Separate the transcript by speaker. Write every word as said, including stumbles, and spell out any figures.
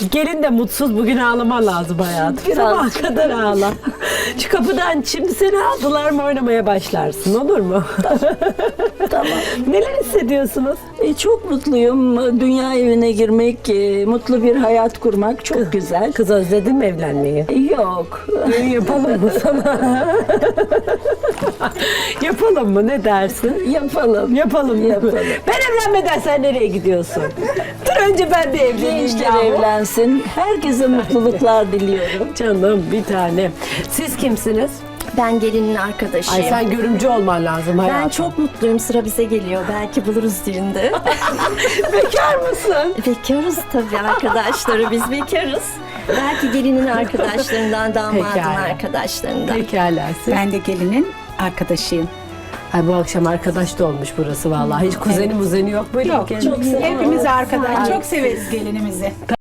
Speaker 1: Gelin de mutsuz, bugün ağlaman lazım hayatım.
Speaker 2: Biraz.
Speaker 1: Sabaha kadar ağla. Şu kapıdan şimdi seni aldılar mı oynamaya başlarsın, olur mu?
Speaker 2: Tamam.
Speaker 1: Neler hissediyorsunuz?
Speaker 2: E, çok mutluyum. Dünya evine girmek, e, mutlu bir hayat kurmak çok güzel.
Speaker 1: Kız özledin mi evlenmeyi?
Speaker 2: E, Yok.
Speaker 1: Düğün yapalım mı sana? Yapalım mı, ne dersin?
Speaker 2: Yapalım.
Speaker 1: Yapalım,
Speaker 2: Yapalım.
Speaker 1: Ben evlenmeden sen nereye gidiyorsun? Dur önce ben bir evleneyim.
Speaker 2: Gençler
Speaker 1: yahu.
Speaker 2: evlensin. Herkese mutluluklar diliyorum.
Speaker 1: Canım bir tane. Siz kimsiniz?
Speaker 3: Ben gelinin arkadaşıyım.
Speaker 1: Ay sen görümcü olman lazım hayatım.
Speaker 3: Ben çok mutluyum. Sıra bize geliyor. Belki buluruz düğünde.
Speaker 1: Bekar mısın?
Speaker 3: Bekarız tabii arkadaşları. Biz bekarız. Belki gelinin arkadaşlarından, damadın
Speaker 1: Pekala.
Speaker 3: arkadaşlarından.
Speaker 1: Pekala siz.
Speaker 4: Ben de gelinin arkadaşıyım.
Speaker 1: Ay bu akşam arkadaş da olmuş burası vallahi. Hiç kuzeni muzeni yok böyle.
Speaker 4: Yok,
Speaker 1: Kendini-
Speaker 4: hepimiz arkadaş. Çok severiz gelinimizi.